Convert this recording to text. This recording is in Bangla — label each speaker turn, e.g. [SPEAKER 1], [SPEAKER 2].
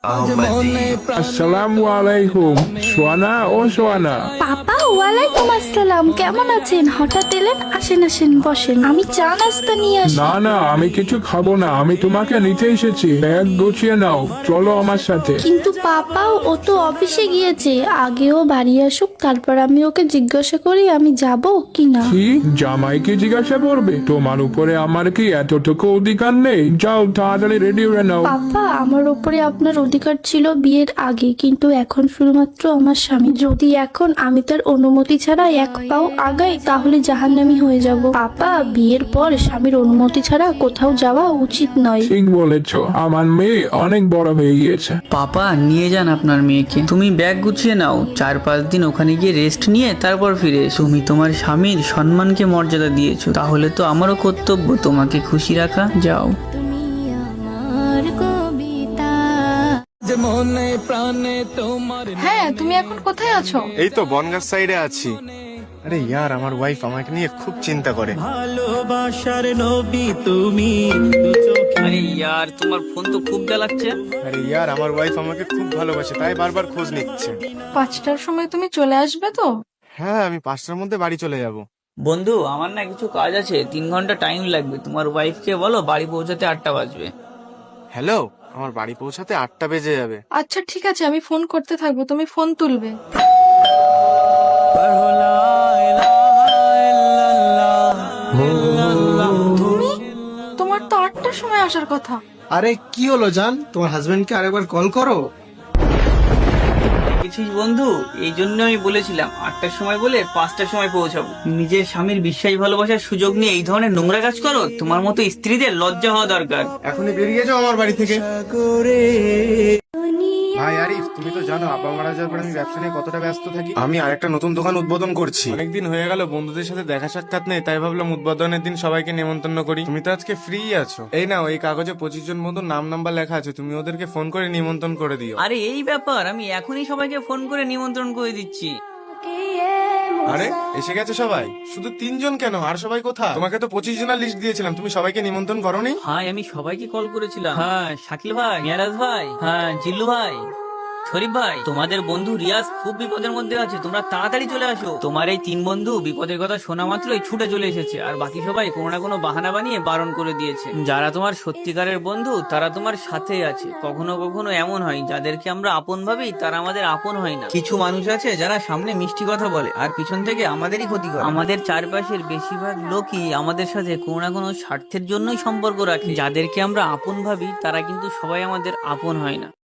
[SPEAKER 1] আসসালামু আলাইকুম। সোয়ানা, ও সোয়ানা।
[SPEAKER 2] পাপা, ওয়ালাইকুম আসসালাম। কেমন আছেন? হঠাৎ এলেন? আসেন আসেন, বসেন, আমি চা নাস্তা নিয়ে আসি।
[SPEAKER 1] না না, আমি কিছু খাবো না, আমি তোমাকে নিতে এসেছি। ব্যাগ গুছিয়ে নাও, চলো আমার সাথে।
[SPEAKER 2] কিন্তু পাপা, ও তো অফিসে গিয়েছে। আগেও বাড়ি আসুক, তারপর আমি ওকে জিজ্ঞাসা করি আমি যাব কি না।
[SPEAKER 1] কি, জামাইকে জিজ্ঞাসা করবে? তোমার উপরে আমার কি এতটুকু অধিকার নেই? যাও তাড়াতাড়ি রেডি হয়ে নাও।
[SPEAKER 2] পাপা, আমার উপরে আপনার অধিকার ছিল বিয়ের আগে, কিন্তু এখন শুধুমাত্র আমার স্বামী। যদি এখন আমি তার অনুমতি ছাড়া এক পাও আগাই, তাহলে জাহান্নামী হয়ে যাব। পাপা, বিয়ের পর স্বামীর অনুমতি ছাড়া কোথাও যাওয়া উচিত নয়।
[SPEAKER 1] ঠিক বলেছো, আমার মেয়ে অনেক বড় হয়ে গিয়েছে।
[SPEAKER 3] পাপা, নিয়ে যান আপনার মেয়েকে। তুমি ব্যাগ গুছিয়ে নাও, 4-5 দিন ওখানে গিয়ে রেস্ট নিয়ে তারপর ফিরে এসো। তুমি তোমার স্বামীর সম্মানকে মর্যাদা দিয়েছো, তাহলে তো আমারও কর্তব্য তোমাকে খুশি রাখা। যাও।
[SPEAKER 4] হ্যাঁ, তুমি এখন কোথায় আছো?
[SPEAKER 5] এই তো বনগাঁ সাইডে আছি। আরে ইয়ার, আমার ওয়াইফ আমাকে নিয়ে খুব চিন্তা করে।
[SPEAKER 6] ভালোবাসার নবী তুমি।
[SPEAKER 3] আরে ইয়ার, তোমার ফোন তো খুব জ্বালাচ্ছে।
[SPEAKER 5] আরে ইয়ার, আমার ওয়াইফ আমাকে খুব ভালোবাসে, তাই বারবার খোঁজ নিচ্ছে।
[SPEAKER 4] 5টার সময় তুমি চলে আসবে তো?
[SPEAKER 5] হ্যাঁ, আমি 5টার মধ্যে বাড়ি চলে যাব।
[SPEAKER 3] বন্ধু, আমার না কিছু কাজ আছে, 3 ঘন্টা টাইম লাগবে। তোমার ওয়াইফকে বলো বাড়ি পৌঁছাতে 8টা বাজবে।
[SPEAKER 5] হ্যালো, আমার বাড়ি পৌঁছাতে 8টা বেজে যাবে।
[SPEAKER 4] আচ্ছা ঠিক আছে, আমি ফোন করতে থাকবো, তুমি ফোন তুলবে। তুমি, তোমার তো 8টার সময় আসার কথা।
[SPEAKER 7] আরে কি হলো জান, তোমার হাজবেন্ডকে আরেকবার কল করো।
[SPEAKER 3] দেখেছিস বন্ধু, এই জন্য আমি বলেছিলাম 8টার সময় বলে 5টার সময় পৌঁছাবো। নিজের স্বামীর বিশ্বাস ভালোবাসার সুযোগ নিয়ে এই ধরনের নোংরা কাজ করো? তোমার মতো স্ত্রীদের লজ্জা হওয়া দরকার।
[SPEAKER 5] এখনই বেরিয়ে যাও আমার বাড়ি থেকে। ভাই আরিফ, তুমি তো জানো আব্বা মারা যাওয়ার পর আমি ব্যবসা নিয়ে কতটা ব্যস্ত থাকি। আমি আরেকটা নতুন দোকান উদ্বোধন করছি। অনেকদিন হয়ে গেল বন্ধুদের সাথে দেখা সাক্ষাৎ নেই, তাই ভাবলাম উদ্বোধনের দিন সবাইকে নিমন্ত্রণ করি। তুমি তো আজকে ফ্রি আছো, এই নাও, এই কাগজে 25 জন মতো নাম নাম্বার লেখা আছে, তুমি ওদেরকে ফোন করে নিমন্ত্রণ করে দিও।
[SPEAKER 3] আরে এই ব্যাপার, আমি এখনই সবাইকে ফোন করে নিমন্ত্রণ করে দিচ্ছি।
[SPEAKER 5] আরে এসে গেছে সবাই? শুধু 3 জন কেন, আর সবাই কোথায়? তোমাকে তো 25 জনের লিস্ট দিয়েছিলাম, তুমি সবাইকে নিমন্ত্রণ করোনি?
[SPEAKER 3] হ্যাঁ, আমি সবাইকে কল করেছিলাম। হ্যাঁ, শাকিল ভাই, মিয়ারাজ ভাই, হ্যাঁ জিল্লু ভাই, শরীফ ভাই, তোমাদের বন্ধু রিয়াজ খুব বিপদের মধ্যে আছে, তোমরা তাড়াতাড়ি চলে আসো। তোমার এই 3 বন্ধু বিপদের কথা শোনা মাত্রই ছুটে চলে এসেছে, আর বাকি সবাই কোনো না কোনো বাহানা বানিয়ে বারণ করে দিয়েছে। যারা তোমার সত্যিকারের বন্ধু তারা তোমার সাথেই আছে। কখনো কখনো এমন হয়, যাদেরকে আমরা আপন ভাবি তারা আমাদের আপন হয় না। কিছু মানুষ আছে যারা সামনে মিষ্টি কথা বলে আর পিছন থেকে আমাদেরই ক্ষতি করে। আমাদের চারপাশের বেশিরভাগ লোকই আমাদের সাথে কোনো না কোনো স্বার্থের জন্যই সম্পর্ক রাখে। যাদেরকে আমরা আপন ভাবি তারা কিন্তু সবাই আমাদের আপন হয় না।